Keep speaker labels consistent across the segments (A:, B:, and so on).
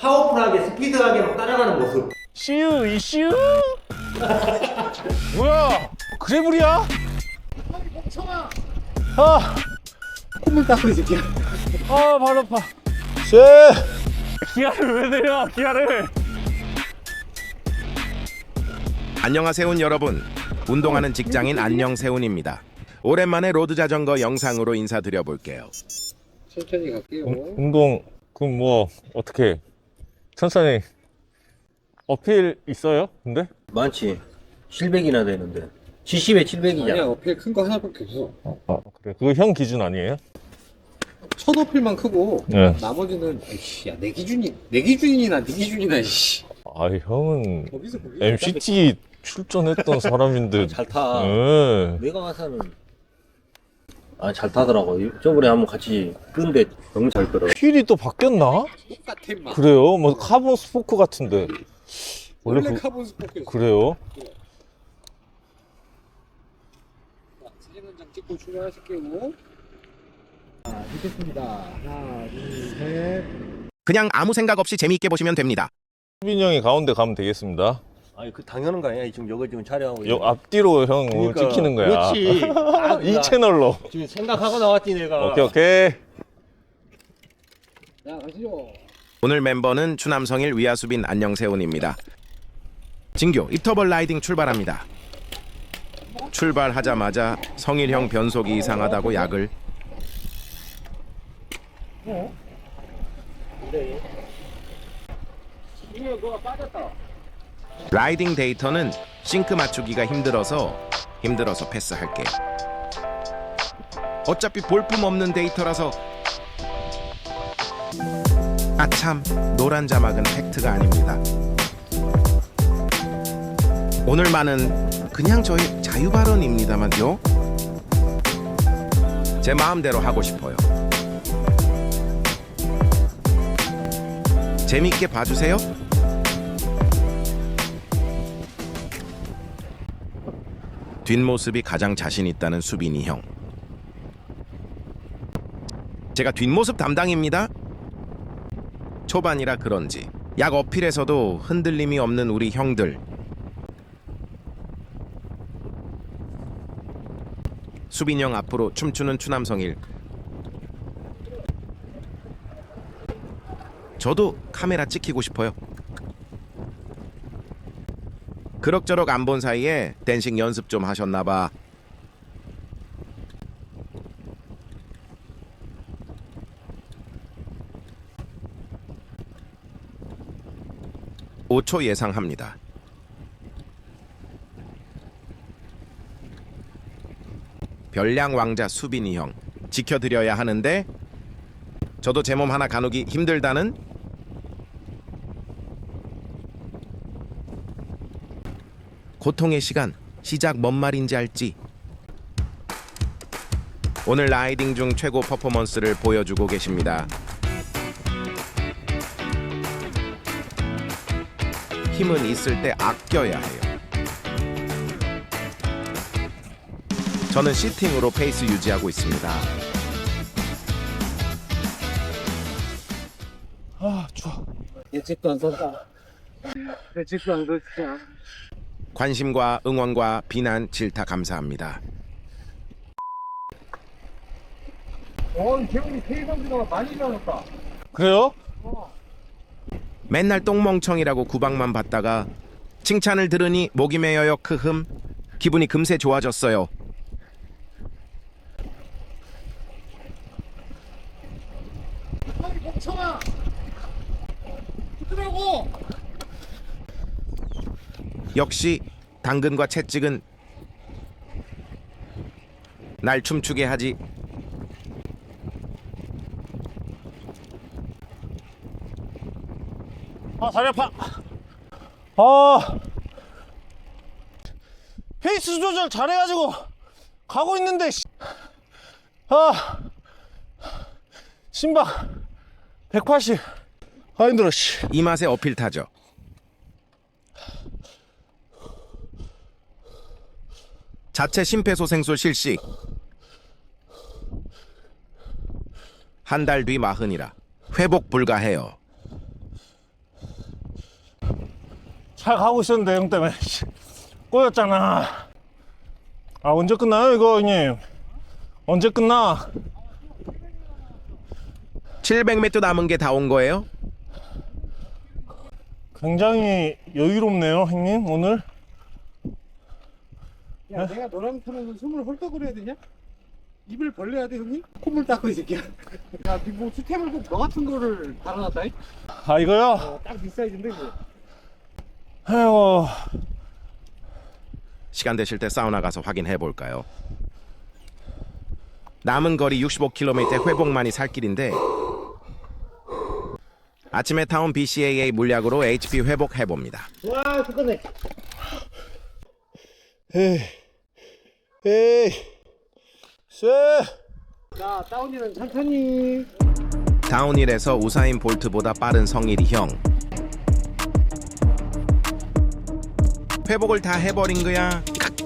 A: 파워풀하게 스피드하게 막 따라가는 모습.
B: 시우 이슈 뭐야 그래블이야? 아,
A: 콧물 닦고 이 새끼야.
B: 아, 발 아파. 기아를 왜 내려, 기아를.
C: 안녕하세요 여러분. 운동하는 직장인 안녕세훈입니다. 오랜만에 로드 자전거 영상으로 인사드려 볼게요.
A: 천천히 갈게요.
B: 운동, 그럼 뭐, 어떻게, 천천히. 어필 있어요, 근데?
D: 많지. 700이나 되는데. 70에 700이냐?
A: 아니야, 어필 큰 거 하나밖에 없어.
B: 그래. 그거 형 기준 아니에요?
A: 첫 어필만 크고
B: 네.
A: 나머지는 아이씨, 야, 내 기준이나 네 기준이나 씨.
B: 아, 형은
A: 거기서 거기.
B: MCT 출전했던 사람인데.
D: 잘 타.
B: 네.
D: 내가 가서는 잘 타더라고. 저번에 한번 같이 끈데 너무 잘 끌어.
B: 휠이 또 바뀌었나?
A: 똑같아 마.
B: 그래요? 뭐 카본 스포크 같은데.
A: 원래
B: 그-
A: 카본 스포크였어.
B: 그래요?
A: 자, 사진 한 장 찍고 출발하실게요. 자, 찍겠습니다. 하나, 둘, 셋.
C: 그냥 아무 생각 없이 재미있게 보시면 됩니다.
B: 수빈이 형이 가운데 가면 되겠습니다.
D: 아니 그 당연한 거 아니야? 지금 여기 지금 촬영하고.
B: 요 앞뒤로 형 오늘
D: 그러니까,
B: 찍히는 거야.
D: 그렇지.
B: 이 채널로.
D: 지금 생각하고 나왔지 내가.
B: 오케이.
A: 자, 가시죠.
C: 오늘 멤버는 추남성일 위아수빈 안녕세훈입니다. 진교 입터벌 라이딩 출발합니다. 출발하자마자 성일형 변속이 이상하다고 약을. 라이딩 데이터는 싱크 맞추기가 힘들어서 패스할게. 어차피 볼품 없는 데이터라서. 아참, 노란 자막은 팩트가 아닙니다. 오늘 말은 그냥 저의 자유 발언입니다만요. 제 마음대로 하고 싶어요. 재밌게 봐주세요. 뒷모습이 가장 자신 있다는 수빈이 형. 제가 뒷모습 담당입니다. 초반이라 그런지 약 어필에서도 흔들림이 없는 우리 형들. 수빈이 형 앞으로 춤추는 추남성일. 저도 카메라 찍히고 싶어요. 그럭저럭 안 본 사이에 댄싱 연습 좀 하셨나봐. (5초) 예상합니다. 별량 왕자 수빈이 형 지켜드려야 하는데 저도 제 몸 하나 가누기 힘들다는. 고통의 시간 시작 뭔 말인지 알지? 오늘 라이딩 중 최고 퍼포먼스를 보여주고 계십니다. 힘은 있을 때 아껴야 해요. 저는 시팅으로 페이스 유지하고 있습니다.
B: 아, 좋아.
A: 예측도 안 썼다. 예측도 안 썼다.
C: 관심과 응원과 비난, 질타 감사합니다.
A: 재훈이 K 선수가 많이 배웠다.
B: 그래요?
C: 맨날 똥멍청이라고 구박만 받다가 칭찬을 들으니 목이 메여요. 크흠. 기분이 금세 좋아졌어요.
A: 멍청아. 그러고.
C: 역시 당근과 채찍은 날 춤추게 하지.
B: 아, 다리 아파. 아, 페이스 조절 잘해가지고 가고 있는데, 아, 심박 180. 아, 힘들어, 씨.
C: 이 맛에 어필 타죠. 자체 심폐소생술 실시. 한 달 뒤 마흔이라 회복 불가해요.
B: 잘 가고 있었는데 형 때문에 꼬였잖아. 아 언제 끝나요 이거 형님? 언제 끝나?
C: 700m 남은 게 다 온 거예요?
B: 굉장히 여유롭네요 형님 오늘.
A: 야, 내가 너랑 타면 숨을 헐떡 그려야 되냐? 입을 벌려야 돼, 형님? 콧물 닦고 이 새끼야. 야, 니뭐 수태물 꼭저 같은 거를 달아놨다.
B: 아 이거요?
A: 딱 비싸이던데 이거.
B: 아이고
C: 시간 되실 때 사우나 가서 확인해 볼까요? 남은 거리 65km 회복만이 살 길인데 아침에 타온 BCAA 물약으로 HP 회복해 봅니다.
A: 와, 죽겠네.
B: 에이 쎄.
A: 자, 다운이는 천천히.
C: 다운힐에서 우사인 볼트보다 빠른 성일이 형. 회복을 다 해버린 거야.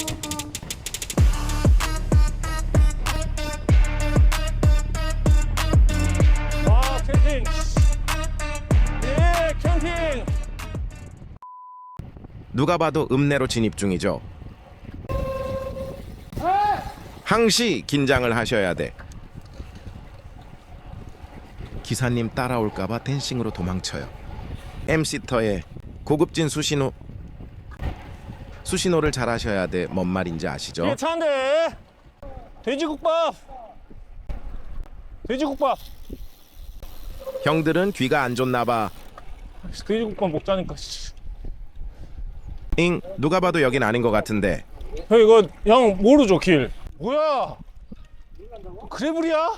B: 와 캠핑. 예 캠핑.
C: 누가 봐도 읍내로 진입 중이죠. 항시 긴장을 하셔야 돼. 기사님 따라올까봐 댄싱으로 도망쳐요. MC터의 고급진 수신호를 잘 하셔야 돼. 뭔 말인지 아시죠?
B: 이게 차인데. 돼지국밥. 돼지국밥.
C: 형들은 귀가 안 좋나 봐.
B: 돼지국밥 먹자니까.
C: 잉, 누가 봐도 여긴 아닌 것 같은데.
B: 형 이거 형 모르죠 길. 뭐야? 그래블이야?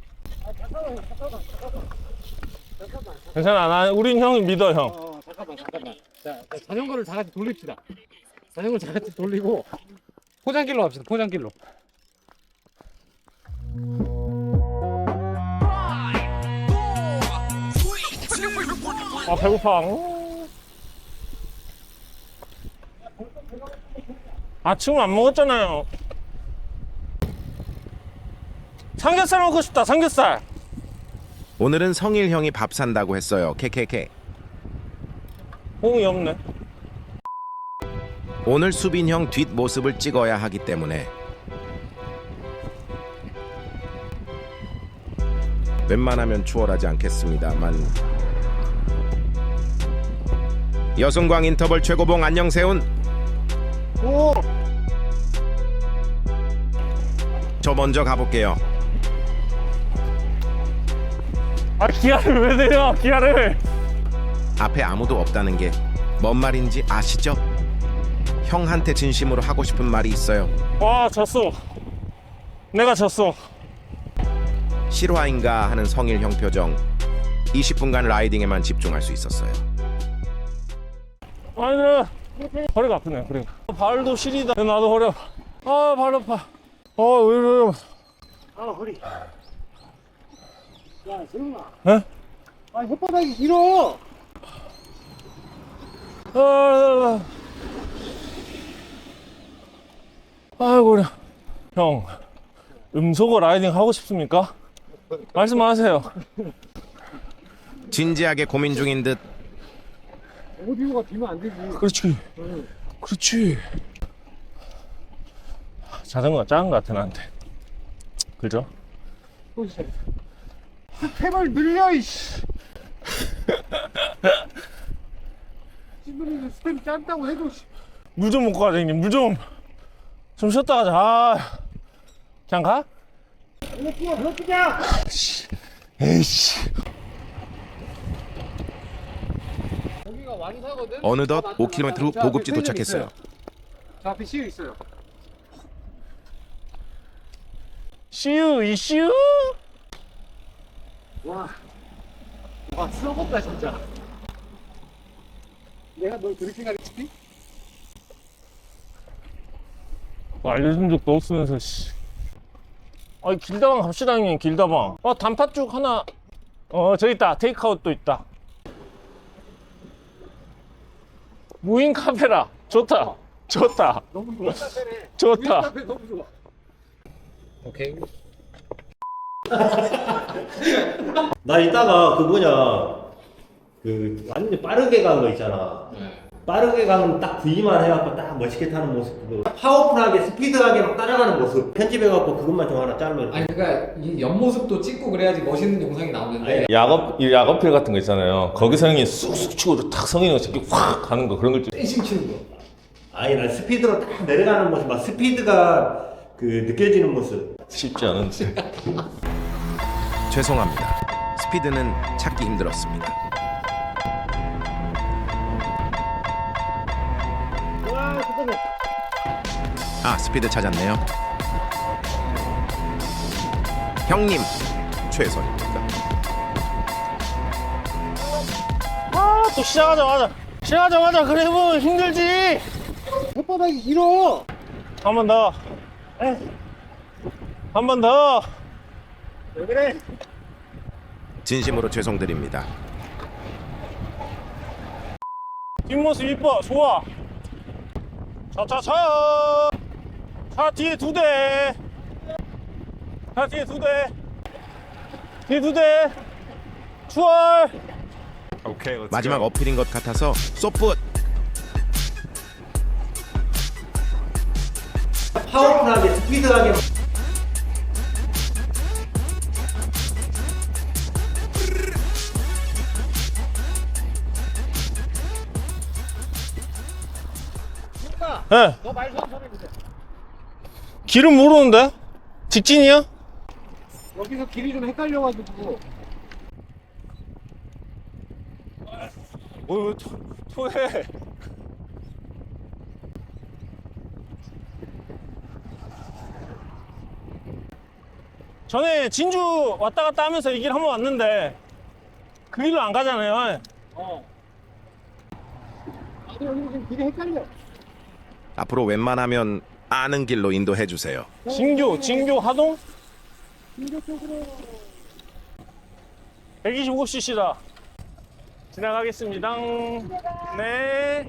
B: 괜찮아 나 우린 형이 믿어 형.
A: 잠깐만. 자, 자전거를 다 같이 돌립시다. 자전거를 다 같이 돌리고 포장길로 갑시다. 포장길로.
B: 아 배고파. 아침을 안 먹었잖아요. 삼겹살 먹고 싶다. 삼겹살.
C: 오늘은 성일 형이 밥 산다고 했어요. 케케케.
B: 호응이 없네.
C: 오늘 수빈 형 뒷모습을 찍어야 하기 때문에 웬만하면 추월하지 않겠습니다만 여승광 인터벌 최고봉 안녕세운.
B: 오.
C: 저 먼저 가볼게요.
B: 아 기아를 왜 내려? 기아를.
C: 앞에 아무도 없다는 게 뭔 말인지 아시죠? 형한테 진심으로 하고 싶은 말이 있어요.
B: 와 졌어. 내가 졌어.
C: 실화인가 하는 성일 형 표정. 20분간 라이딩에만 집중할 수 있었어요.
B: 아니 허리가 아프네. 그래. 발도 시리다. 나도 허리 아파. 아 발 아파. 왜 이래?
A: 아, 허리. 야, 재훈아.
B: 에?
A: 아, 혓바닥이 길어.
B: 아이고 그래. 형 음소거 라이딩 하고 싶습니까? 말씀하세요.
C: 진지하게 고민 중인 듯.
A: 오디오가 비면 안 되지.
B: 그렇지. 그렇지. 자전거가 작은 것 같아 나한테. 그죠?
A: 또 시작. 스텝을 늘려, 이씨. 신부님이 스텝이 짧다고 해도, 씨.
B: 물 좀 먹고 가자 형님. 물 좀. 좀 쉬었다 가자. 아. 그냥 가?
A: 이거 뛰어, 더 뛰자.
B: 에이씨.
A: 여기가 완사거든?
C: 어느덧 5km 후 보급지 도착했어요.
A: 저 앞에 CU 있어요.
B: 씨유 이씨유.
A: 와, 썩었다, 진짜. 내가 널 그렇게 가르치지?
B: 알려준 적도 없으면서 씨. 아니 길다방 갑시다 형님. 길다방. 단팥죽 하나. 저기 있다. 테이크아웃도 있다. 무인 카페라. 좋다. 좋다.
A: 너무 좋아. 카페네.
B: 좋다.
A: 카페 너무 좋아. 오케이.
D: 나 이따가 그 뭐냐 그 완전 빠르게 간 거 있잖아. 빠르게 가면 딱 V만 해갖고 딱 멋있게 타는 모습, 그 파워풀하게 스피드하게 막 따라가는 모습 편집해갖고 그것만 좀 하나 짤로 이렇게.
E: 아니 그러니까 이 옆모습도 찍고 그래야지 멋있는 영상이 나오는데
B: 야업필 같은 거 있잖아요. 거기서 형이 쑥쑥 치고 탁 성인이 새끼 확 가는 거 그런 걸 좀.
E: 댄싱 치는 거.
D: 아니 난 스피드로 딱 내려가는 모습, 막 스피드가 그 느껴지는 모습.
B: 쉽지 않은데.
C: 죄송합니다. 스피드는 찾기 힘들었습니다. 아, 스피드 찾았네요. 형님 최선입니다.
B: 아, 또 시작하자마자 그래 보면 힘들지.
A: 혓바닥이 길어.
B: 한 번 더. 한 번 더.
A: 왜 그래?
C: 진심으로 죄송드립니다.
B: 뒷모습 이뻐. 좋아. 차차차. 차 뒤에 2대. 차 뒤에 2대. 뒤에 2대. 추월. 오케이.
C: 마지막 어필인 것 같아서 쏘풋.
D: 파워풀하게 스피드하게.
B: 예.
A: 너 말좀 소리해.
B: 길은 모르는데? 직진이야?
A: 여기서 길이 좀 헷갈려가지고.
B: 왜 토해? 전에 진주 왔다 갔다 하면서 이 길 한번 왔는데 그 길로 안 가잖아요.
A: 나도 여기 지금 길이 헷갈려.
C: 앞으로 웬만하면 아는 길로 인도해 주세요.
B: 진교 하동
A: 진교 쪽으로.
B: 125cc다. 지나가겠습니다. 네.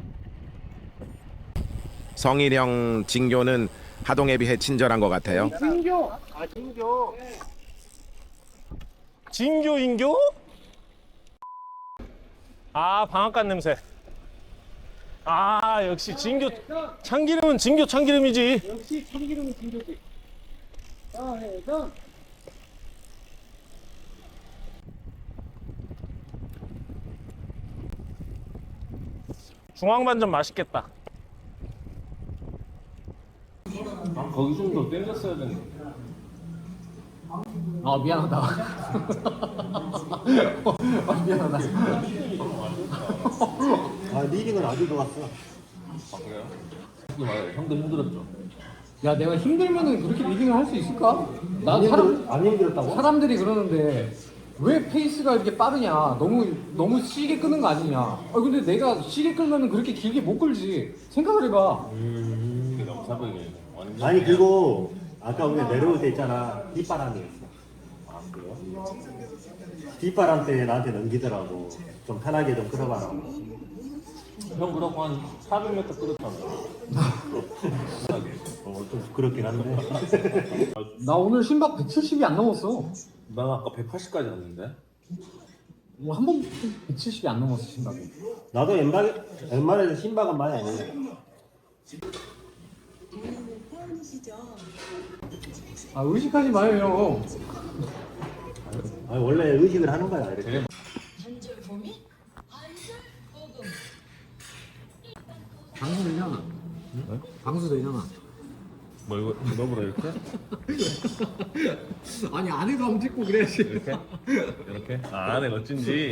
C: 성일형 진교는 하동에 비해 친절한 것 같아요.
A: 진교. 아 진교.
B: 진교 인교? 아, 방앗간 냄새. 아, 역시 진교 참기름은 진교 참기름이지.
A: 역시 참기름은 진교지. 자, 해서.
B: 중앙반점 맛있겠다.
F: 거기 좀 더 땡겼어야 되는데.
E: 아 미안하다. 아, 미안하다.
D: 아 리딩은 아주 좋았어.
F: 아 그래요? 맞아요. 형도 힘들었죠.
E: 야 내가 힘들면은 그렇게 리딩을 할 수 있을까? 난
D: 안 힘들었다고?
E: 사람들이 그러는데 왜 페이스가 이렇게 빠르냐? 너무 시게 끄는 거 아니냐? 아 근데 내가 시게 끌면은 그렇게 길게 못 끌지. 생각을 해봐.
F: 이게 너무 사백이 완전.
G: 아니 그리고 아까 우리 내려올 때 있잖아 뒷바람이었어.
F: 아 그래요?
G: 뒷바람 때 나한테 넘기더라고. 좀 편하게 좀 끌어봐라.
F: 형 그렇고 한 400m 끌었잖아요.
G: 좀 부끄럽긴 한데.
E: 나 오늘 심박 170이 안 넘었어.
F: 난 아까 180까지 갔는데.
E: 뭐 한 번 170이 안 넘었어 심박이.
G: 나도 웬만해서 심박은 많이 안 해.
E: 아 의식하지 마요.
G: 아, 원래 의식을 하는 거야 이렇게.
E: 방수 되잖아. 응? 방수 되잖아.
F: 뭐 이거 너보다 이렇게?
E: 아니 안에도 한번 찍고 그래야지.
F: 이렇게? 이렇게? 아 안에 어쩐지.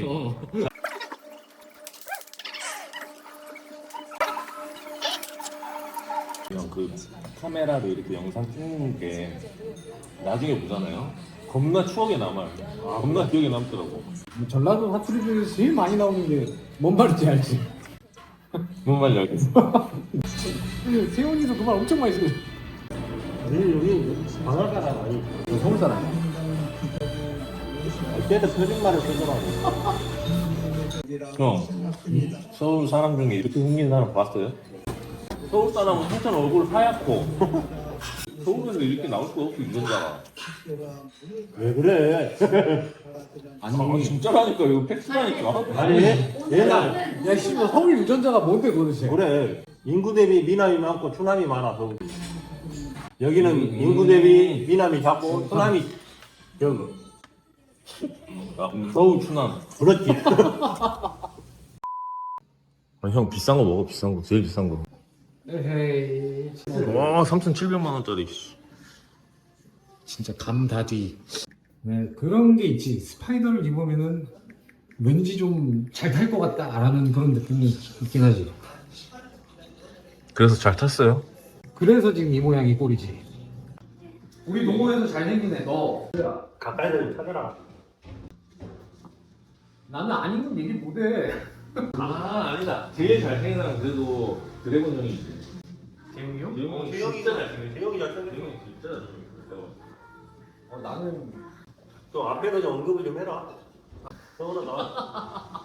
F: 그냥 그 카메라로 이렇게 영상 찍는 게 나중에 보잖아요. 겁나 추억에 남아요. 겁나 기억에 남더라고.
E: 전라도 사투리 중에서 제일 많이 나오는 게 뭔 말인지 알지?
F: 뭔 말인지 알겠어.
E: 세훈이도 그 말 엄청 많이 쓰고.
G: 여기 방학 사람 아니.
E: 서울 사람이야.
G: 그때도 표준말을 쓰더라고.
F: 형, 서울 사람 중에 이렇게 생긴 사람 봤어요? 서울 사람은 한참 얼굴 하얗고 서울에서 이렇게 나올 수가 없고 이런잖아.
G: 왜 그래?
F: 아니 진짜라니까 이거 팩트라니까.
G: 아니 얘는
E: 야 씨발 서울 유전자가 뭔데 도대체?
G: 그래 인구 대비 미남이 많고 추남이 많아 서울. 여기는 인구 대비 미남이 작고 추남이 적어.
F: 아, 서울 추남.
G: 그렇지.
B: 아, 형 비싼 거 먹어 비싼 거 제일 비싼 거.
E: 에헤이
B: 와 3,700만 원짜리.
E: 진짜 감다디. 네 그런 게 있지. 스파이더를 입으면은 왠지 좀 잘 탈 것 같다라는 그런 느낌이 있긴 하지.
B: 그래서 잘 탔어요.
E: 그래서 지금 이 모양이 꼴이지. 우리 동호회에서 잘생긴 애 너.
G: 가까이서 좀 찾아라.
E: 나는 아닌 건 얘기 못해.
F: 아 아니다. 제일 잘생긴 사람 그래도 드래곤 형이지.
E: 재웅이 형?
F: 재용이 진짜 잘생겼어.
G: 재용이 잘생겼어.
F: 재용이 진짜 잘생겼어.
E: 나는
G: 또 앞에서 좀 언급을 좀 해라. 서울아 나.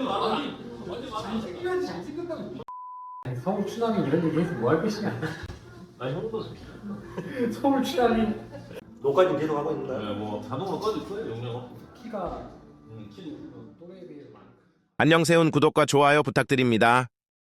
E: 잘생겨야지 잘생겼다고. 아니, 서울 추남이 이런 얘기 해서 뭐 할 것이냐.
F: 아 형도
E: 서울 추남이
G: 녹화 지금 계속 하고 있는 거야?
F: 뭐 자동으로 꺼질 거예요 용량.
E: 키가
F: 키도.
E: 또래에 비해서 많아.
C: 안녕세운 구독과 좋아요 부탁드립니다.